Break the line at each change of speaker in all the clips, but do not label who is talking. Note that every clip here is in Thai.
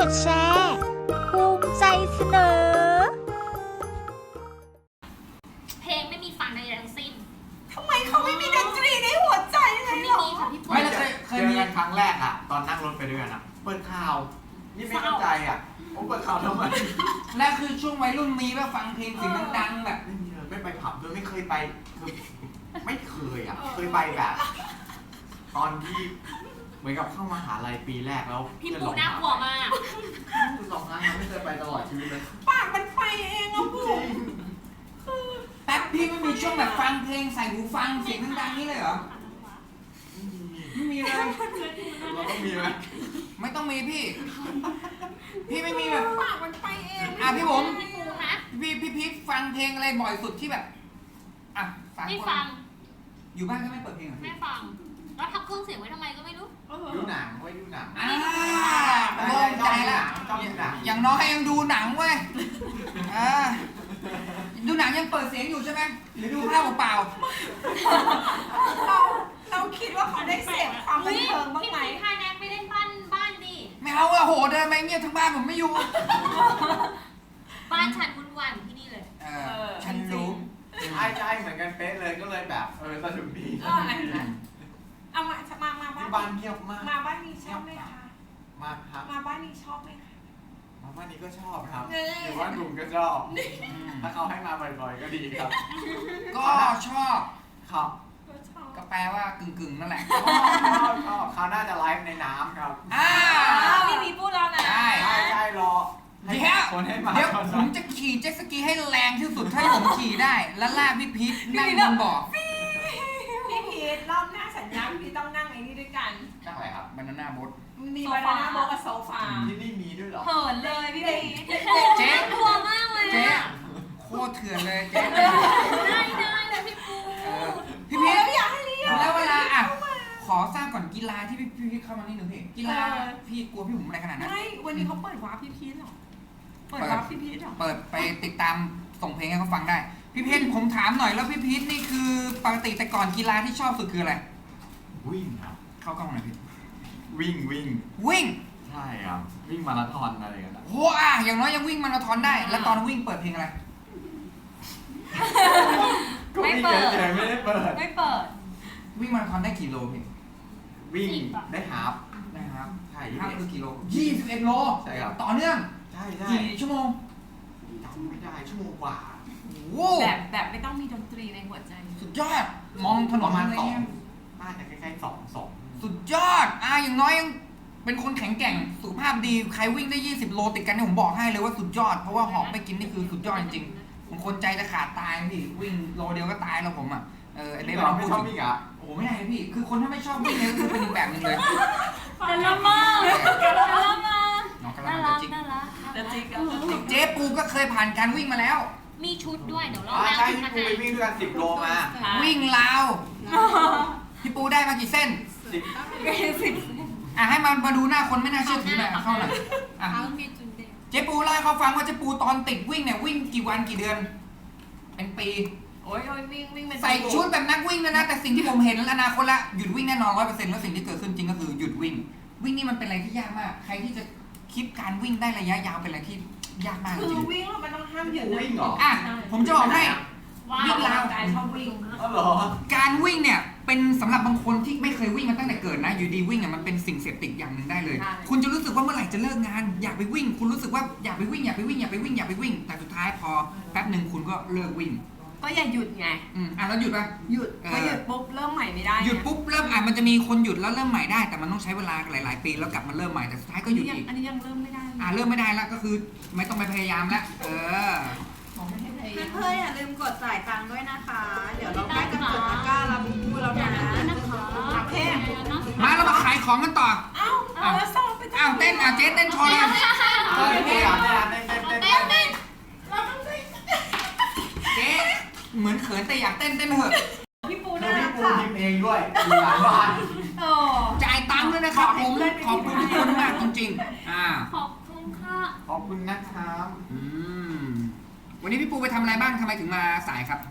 ดแชร์ภูมิใจเสนอ
เพลงไม่มีฟังใดๆทั้งสิ้น
ทำไมเขาไม่มีดนตรีในหัวใจเลยหรอ
ไม่เคยมีครั้งแรกอะตอนนั่งรถไปด้วยกันอะเปิดข่าวนี่ไม่เข้าใจอะผมเปิดข่าวทำไม
และคือช่วงวัยรุ่นมีแบบฟังเพลงเสียงดังๆแบบ
ไม่ไปผับด้วยไม่เคยไปคือไม่เคยอะเคยไปแบบตอนที่เหมือนกับเข้ามหาลัยปีแรกแล้ว
พี่ปูน่ากลัวมาก
2 ครั้งไม่เคยไปตลอดชีวิตเลย
ปากมันไปเองอะพูด
แป๊บพี่ไม่มีช่วงแบบฟังเพลงใส่หูฟังเสียงดังๆนี่เลยเหรอไม่มีเลย
เราต้องมีไหม
ไม่ต้องมีพี่ไม่มีแบบ
ปากมันไปเอง
พี่ผมพี่พีทฟังเพลงอะไรบ่อยสุดที่แบบ
ไม่ฟัง
อยู่บ้านก็ไม่เปิดเพลงเหรอ
ไม่ฟังแล้วทำเครื่องเสียงไว้ทำไมก็ไม่รู้
ดูหนังไว้ดูหนัง
โล่งใจแล้วอย่างน้อยยังดูหนังเว้ยดูหนังยังเปิดเสียงอยู่ใช่ไหมหรือดูภาพเปล่า
เราคิดว่าเขาได้เสพความบันเทิงบ้างไหม
พี่พาแน็กไปเล่นบ้านดิ
ไม่เอาอะโหเดินไปเงียบทั้งบ้านผมไม่อยู่
บ้านฉันวุ่นวายเหมือนที่นี่เลย
ฉันรู้
ใช่เหมือนกันเป๊ะเลยก็เลยแบบสนุกดี
เอามา
บ้านเงียบมาก
มาบ้านนี้ชอบไหมคะ
มาครับ
มาบ้านนี้ชอบไหมคะ
มาบ้านนี้ก็ชอบครับหรือว่าหนุ่มก็ชอบถ้าเขาให้มาบ่อยๆก็ดีครับ
ก็ชอบ
ครับ
ก็แปลว่ากึ่งนั่นแหละ
ชอบเขาน่าจะไลฟ์ในน้ำครับ
มีพูดแล้วนะ
ใช่รอ
เดี๋ยวผมจะขี่เจ็ตสกีให้แรงที่สุดถ้าผมขี่ได้แล้วลากพี่พีทนั่งบนเบาะ
พี่พีทรอบหน้าสัญญาพี่ต้องนั่งไอ้นี่ด้วยกัน
นั่งอะไรครับ
บานาน่าโบ๊ท
มีบานาน่าโบ๊ทกับโซฟา
ที่นี่มีด้วยเหรอ
เหินเลยพี่พีท
เจ๊
กลัวมากเลย
เจ๊โคตรเถื่อนเลยเจ๊
ได้เลยพี่ปู
พี่พีท
อยากให้เรียน
แล้วเวลาขอทราบก่อนกีฬาที่พี่พีทเข้ามานี่หนึ่งเพลงกีฬาพี่กลัวพี่ผมอะไรขนาดนั้น
ไม่วันนี้เขาเปิดวาร์ปพี่พีทหรอเปิดวาร์ปพี่พีทหรอ
เปิดไปติดตามส่งเพลงให้เขาฟังได้พี่เพชรผมถามหน่อยแล้วพี่พีทนี่คือปกติแต่ก่อนกีฬาที่ชอบสุดคืออะไร
วิ่งครับ
เข้ากล้องหน่อยพี่
วิ่งใช่ครับวิ่งมาราธอนอะไรกัน
โอ้อย่างน้อยยังวิ่งมาราธอนได้แล้วตอนวิ่งเปิดเพลงอะไร
ไม่เปิดไม่ได้เปิด
วิ่งมาราธอนได้กี่โลพี่
วิ่งได้ฮาฟ
ใช่ฮาฟคือกี่โล21 โล
ใช่ครับ
ต่อเนื่อง
ใช่
กี่ชั่วโมง
จำไม่ได้ชั่วโมงกว่า
แบบไม่ต้องมีดนตรีในหัวใจ
สุดยอดมองถนน
มา
อะไรเงี้ย
น่าจะใกล้ๆ2
สุดยอดอย่างน้อยยังเป็นคนแข็งแกร่งสุขภาพดีใครวิ่งได้20 โลติดกันเนี่ยผมบอกให้เลยว่าสุดยอดเพราะว่าหอบไปกินนี่คือสุดยอดจริงๆบางคนใจจะขาดตายพี่วิ่งโลเดียวก็ตายแล้วผม
ไอ้เรื่องไม่ชอบวิ่ง
โอ้ไม่ได้พี่คือคนถ้าไม่ชอบวิ่งเนี่ยก็คือเป็นอีกแบบนึงเลย
แต่ละมาก
น้องกำลังจะจริงเจ๊ปูก็เคยผ่านการวิ่งมาแล้ว
มีชุดด้วยเดี๋ยวเรา
ใช่พี่ปูไปวิ่งด้วยกัน10 โลมา
วิ่งราวพี่ปูได้มากี่เส้น10ให้มาดูหน้าคนไม่น่าเชื่อถือหน่อยเข้าหน่อยเจ๊ปูเล่าให้เขาฟังว่าเจ๊ปูตอนติดวิ่งเนี่ยวิ่งกี่วันกี่เดือนเป็นปี
โอ้ยวิ่ง
ใส่ชุดแบบนักวิ่งนะแต่สิ่งที่ผมเห็นอนาคตละหยุดวิ่งแน่นอน100%แล้วสิ่งที่เกิดขึ้นจริงก็คือหยุดวิ่งนี่มันเป็นอะไรที่ยากมากใครที่จะคิดการวิ่งได้ระยะยาวเป็นอะไรที่ยากมากจริง
คือวิ่งมันต้องห้ามหยุด
วิ่งเหรอ
ผมจะบอกให้
วิ่งราวชอบวิ่ง
การวิ่งเนี่ยเป็นสำหรับบางคนที่ไม่เคยวิ่งมาตั้งแต่เกิดนะอยู่ดีวิ่งมันเป็นสิ่งเสพติดอย่างหนึ่งได้เลยคุณจะรู้สึกว่าเมื่อไหร่จะเลิกงานอยากไปวิ่งคุณรู้สึกว่าอยากไปวิ่งแต่สุดท้ายพอแป๊บหนึ่งคุณก็เลิกวิ่ง
ก็อย่าหยุดไง
แล้วหยุดป่ะ
หยุดพอหยุดปุ๊บเริ่มใหม่ไม่ได้
หยุดปุ๊บเริ่มมันจะมีคนหยุดแล้วเริ่มใหม่ได้แต่มันต้องใช้เวลาหลายๆปีแล้วกลับมาเริ่มใหม่แต่สุดท้ายก็หยุดอีก
อันนี้ยังเริ่มไม่ได้
เริ่มไม่ได้แล้วก็คือไม่ต้องไปพยายามแล้ว
เพื่อนอย่าลืมกดจ่ายตังค์ด้วยนะคะเดี๋ยวเราใกล้จะกดตะกร้าเราพูดแล้วนะ
มาเรามาขายของกันต่อ
แล้วซ้อมไป
เต้นเจ๊เต้นโชว์เลยเจ๊เหมือนเขินแต่อยากเต้นเถอะ
พี่ปู
นะพี่ปูยิ้มเองด้วยมีหลายบ้าน
จ่ายตังค์ด้วยนะครับผมขอบคุณทุกคนมากจริงๆ
ขอบคุณค่ะ
ขอบคุณนะครับ
วันนี้พี่ปูไปทำอะไรบ้างทำไมถึงมาสายครับ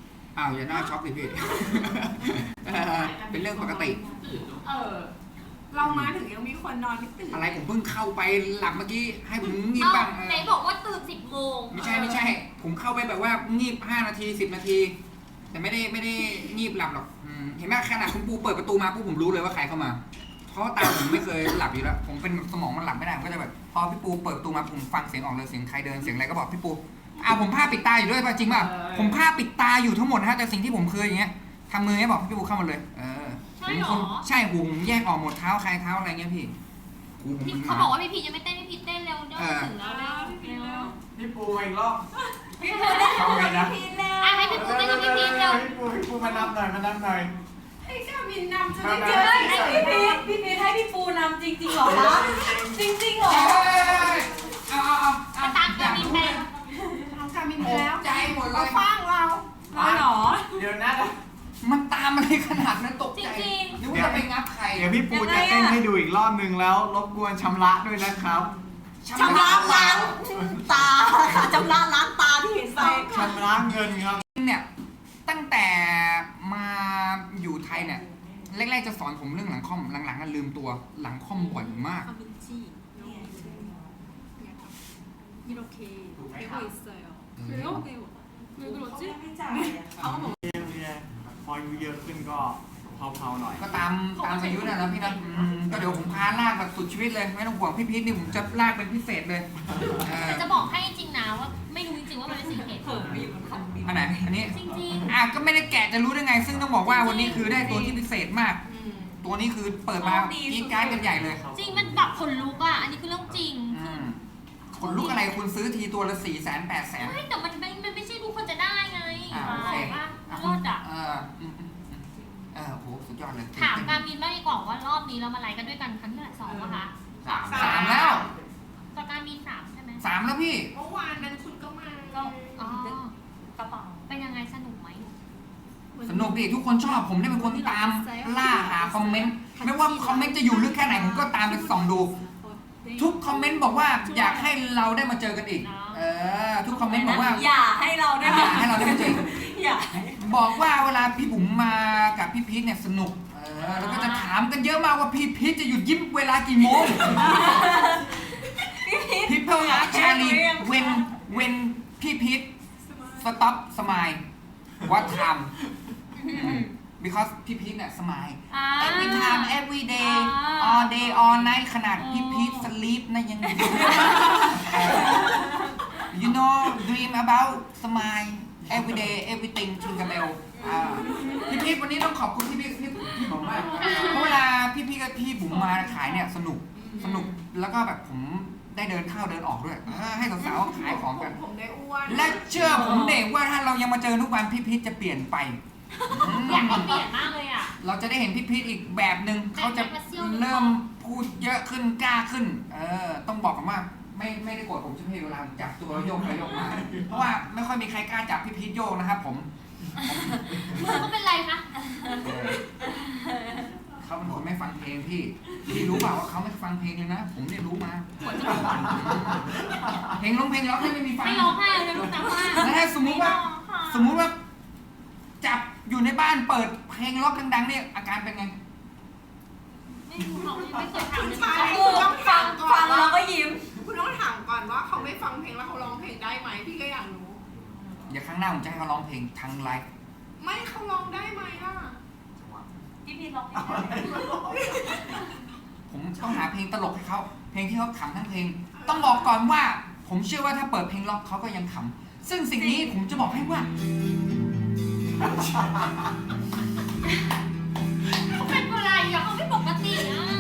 อย่าหน้าช็อกดิพี่เป็นเรื่องปกติ
เรามาถึงยังมีคนนอนไม่ตื่น
อะไรผมเพิ่งเข้าไปหลับเมื่อกี้ให้ผมงีบ
เอ้า
บ้าง
ไหนบอกว่าตื่น10 โมง
ไม่ใช่ ผมเข้าไปแบบว่างีบ5 นาที 10 นาที แต่ไม่ได้งีบหลับหรอกเห็นไหมขนาดคุณปูเปิดประตูมาปุ๊บผมรู้เลยว่าใครเข้ามา เพราะว่าตาผมไม่เคยหลับอยู่แล้วผมเป็นสมองมันหลับไม่ได้ผมก็จะแบบพอพี่ปูเปิดประตูมาผมฟังเสียงออกเลยเสียงใครเดินเสียงอะไรก็บอกพี่ปูผมผ้าปิดตาอยู่ด้วยป่ะจริงป่ะผมผ้าปิดตาอยู่ทั้งหมดนะฮะแต่สิ่งที่ผมเคยอย่างเงี้ยทำมือให้บอกพี่ปูเข้ามาเลย
ใช่หรอ
ใช่หูผมแยกออกหมดเท้าใครเท้าอะไรเงี้ยพี่หูผมมัน
เขาบอกว่าพี่พียังไม่เต้นพี่พีเต้นเร็วเดี๋ยวถึงแล้วเร็ว
พี่ปูมาอีกรอบ
พี่ปูได้
ทำไงนะ
พี่แล้ว
อ่ะให้พี่ปูเต้นกับพี่พีเร็ว
พี่ปูมานับหน่อยมานับหน่อย
ให้กามินนำจะได้
มา
เจอให้พี่พีให้พี่ปูนำจริงๆเหรอคะจริงๆเหรอ
เอา
มาตามกามินไป
ทำกามินไปแล้ว
ใจหมดเล
เรา
ย
ฟังเราเหรอ
เดี๋ยวนะ
มันตามอะไรขนาดนั้นตก
จ
ใจ
ริง
นึกว่าจะไปงับใคร
เดี๋ยวพี่ปูจะเต้นให้ดูอีกรอบนึงแล้วรบกวนชำระด้วยนะครับ
ชำระล้างตาค่ะชำระล้างตาที่เห็นไป
ชำระเงินครับ
เนี่ยตั้งแต่มาอยู่ไทยเนี่ยแรกๆจะสอนผมเรื่องหลังคอมหลังๆก็ลืมตัวหลังคอมบ่อยมาก
가민지 이렇게 되고 있어요. 그래요? 네. 왜 그러지?
เนี่ยพออายุเยอะขึ้นก็เผาๆหน่อย
ก็ตามอายุน่ะนะพี่นะก็เดี๋ยวผมพาลากแบบสุดชีวิตเลยไม่ต้องห่วงพี่พีทนี่ผมจะลากเป็นพิเศษเลย
แต่จะบอกให้จริงนะว่าไม่รู้จริงๆว่ามันเป็นสิ่งเหตุผล
อันไหนอันนี้
จริง
ก็ไม่ได้แกะจะรู้ได้ไง ซึ่งต้องบอกว่าวันนี้คือได้ตัวที่พิเศษมาก ตัวนี้คือเปิดมากีดการ์ดกันใหญ่เลย
ๆจริงมันแบบขนลุกอ่ะอันนี้คือเรื่องจริง
คนลูกอะไรคุณซื้อทีตัวละ400,000 800,000
ไม่แต่มันไม่ใช่ทุกคนจะได้ไง
โอเค
ว่าเลิศอ่ะ
โหสุดยอดเลย
ถามการมินบ้างดีกว่าว่ารอบนี้เรามาไลฟ์กันด้วยกันครั้งที่เท่าไหร่2ป่ะคะ
สามแล้ว
ต่อการมิน3ใช่ไหม
3แล้วพี่
เมื่อวานนั้นคุณก็มา
อ๋อกระเป๋าเป็นยังไงสนุกไหม
สนุกดิทุกคนชอบผมได้เป็นคนตามล่าหาคอมเมนต์ไม่ว่าคอมเมนต์จะอยู่ลึกแค่ไหนผมก็ตามไปส่องดู ทุกคอมเมนต์บอกว่าอยากให้เราได้มาเจอกันอีกทุกคอมเมนต์บอกว่า
อย่าให้เราได้
อยากให้เราได้มาเจอ
อย่า
บอกว่าเวลาพี่บุ๋มมากับพี่พีทเนี่ยสนุกแล้วก็จะถามกันเยอะมากว่าพี่พีทจะหยุดยิ้มเวลากี่โมง People ask Charlie when พี่พีท stop smile what time because พี่พีทเนี่ย smile every time every day all day all night ขนาดพี่พีท sleep นะยัง you know dream about smile every day everything ทิงกับเบลพี่พีทวันนี้ต้องขอบคุณพี่บุ๋มมากเพราะเวลาพี่กับพี่บุ๋มมาขายเนี่ยสนุกแล้วก็แบบผมได้เดินเข้าเดินออกด้วยให้สาวๆขายของกัน
ผมได้อ้วน
และเชื่อผมเด็กว่าถ้าเรายังมาเจอทุกวันพี่พีทจะเปลี่ยนไป
อยากให้เปลี่ยนมากเลยอ่ะ
เราจะได้เห็นพี่พีทอีกแบบหนึ่งเขาจะเริ่มพูดเยอะขึ้นกล้าขึ้นต้องบอกกันว่าไม่ได้โกรธผมใช่ไหมเวลาจับตัวโยกไปโยกมาเพราะว่าไม่ค่อยมีใครกล้าจับพี่พีทโยกนะครับผม
มือเขาเป็นไรคะ
เขาเป็นคนไม่ฟังเพลงพี่รู้เปล่าว่าเขาไม่ฟังเพลงเลยนะผมเนี่ยรู้มาเพลงร้องไม่มีฟัง
ไม่ร้องไห้เลยลูกนะว่า
แล้วถ้าสมมุติว่าจับอยู่ในบ้านเปิดเพลงล็อกดังๆเนี่ยอาการเป็นไง
ไม่รู้เขาไม่เคยทำเลย
ใช่
เขา
คุณต้องฟังก่อน
แล้วก็ยิ้ม
คุณต้องถามก่อนว่าเขาไม่ฟังเพลงแล้วเขาร้องเพลงได้ไหมพี่ก็อยากรู้
เดี๋ยวครั้งหน้าผมจะให้เขาร้องเพลงทางไลฟ์
ไม่เขาร้องได้ไหมอ่ะ
พี่พีร้อง
ผมต้องหาเพลงตลกให้เขาเพลงที่เขาขำทั้งเพลง ต้องบอกก่อนว่า ผมเชื่อว่าถ้าเปิดเพลงล็อกเขาก็ยังขำซึ่งสิ่งนี้ผมจะบอกให้ว่า
เขาเป็นอะไรอ่ะเขาไม่ปกติอ่ะ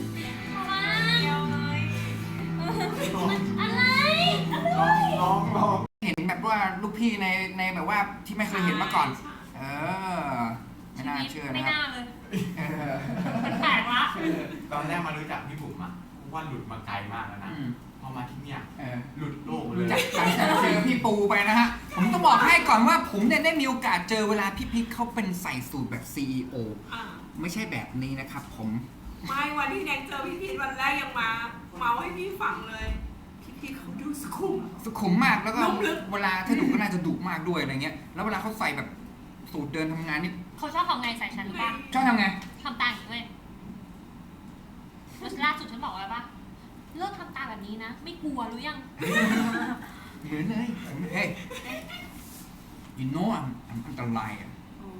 อะไร
ร้อง
เห็นแบบว่าลูกพี่ในแบบว่าที่ไม่เคยเห็นมาก่อน ไม่น่าเชื่อ
ไม่
นะครับ
น่าเลยมันแปลกละ
ตอนแรกมารู้จักพี่บุ๋มอะว่าหลุดมาไกลมากแล้วนะพอมาที่เนี่ยหลุดโลกเลย
จากการเจอพี่ปูไปนะฮะผมต้องบอกให้ก่อนว่าผมเนี่ยได้มีโอกาสเจอเวลาพี่พีทเขาเป็นใส่สูตรแบบ CEO ไม่ใช่แบบนี้นะครับผม
ไม่วันที่แน็กเจอพี่พีทวันแรกยังมาให้พี่ฟังเลยพี่พีทเขาดูสุขุม
มากแล้วก็
นุ่มลึก
เวลาถ้าดุก็น่าจะดุมากด้วยอะไรเงี้ยแล้วเวลาเขาใส่แบบสูตรเดินทำงานนี่
เขาชอบทำไงใส่ฉันหรือเปล่า
ชอบทำไง
ทำตาอย่างนี้ด้วยแล้วล่าสุดฉันบอกอะไรปะเลิกทำตาแบบนี้นะ ไม่กลัวหรือยัง
เหมือนเลยเฮ้ย you know I'm อันตรายอ่ะ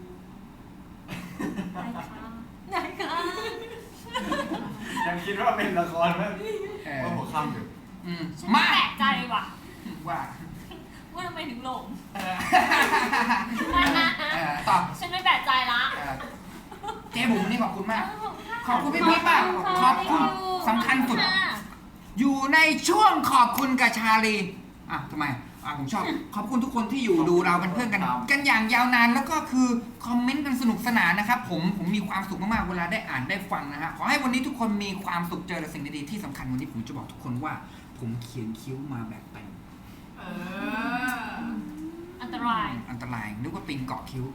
ไหนคะ
ยังคิดว่าเป็นละครไหม
เออ
ว่าหัวค่ำอยู่
ฉัน
มา
แปลกใจว่ะ
ว่า
ว่าทำไมถึงหลง
เออต่อ
ฉันไม่แปลกใจละ
เจ๊บุ๋มนี่ขอบคุณมาก ขอบคุณพี่พีชมากขอบคุณสำคัญสุด อยู่ในช่วงขอบคุณกับชาลีทำไมผมชอบ ขอบคุณทุกคนที่อยู่ดูเราเป็นเพื่อนกันอย่างยาวนานแล้วก็คือคอมเมนต์กันสนุกสนานนะครับผมมีความสุขมากๆเวลาได้อ่านได้ฟังนะฮะขอให้วันนี้ทุกคนมีความสุขเจอแต่สิ่งดีๆที่สำคัญวันนี้ผมจะบอกทุกคนว่า ผมเขียนคิ้วมาแบบเต็ม
อันตราย
อันตรายนึกว่าปิงเกาะคิ้ว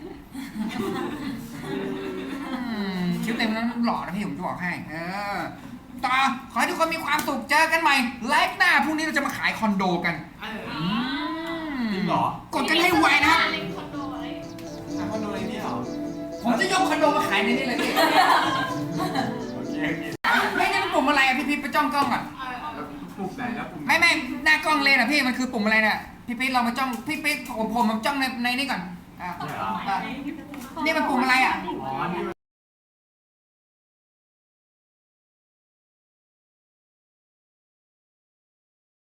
คิ้วเต็มนั้นหล่อนะพี่ผมจะบอกให้ต่อขอให้ทุกคนมีความสุขเจอกันใหม่ไลฟ์หน้าพรุ่งนี้เราจะมาขายคอนโดกัน
จริงเหรอ
กดกันให้ไวนะครับ
เล็กคอนโดอะไร
คอนโดในนี้เหรอ
ผมจะยกคอนโดมาขายในนี้เลยพี่
โอเคโอเค
ไม่ได้เป็นปุ่มอะไรอะพี่ไปจ้องกล้องก่อน
แล้วปุ่มไหนแล้วปุ่ม
ไม่หน้ากล้องเลยนะพี่มันคือปุ่มอะไรเนี่ยพี่ลองมาจ้องพี่ผมมาจ้องในนี่ก่อน
เนี่ยเหรอ
นี่มันปุ่มอะไรอ่ะ
อ๋อนี่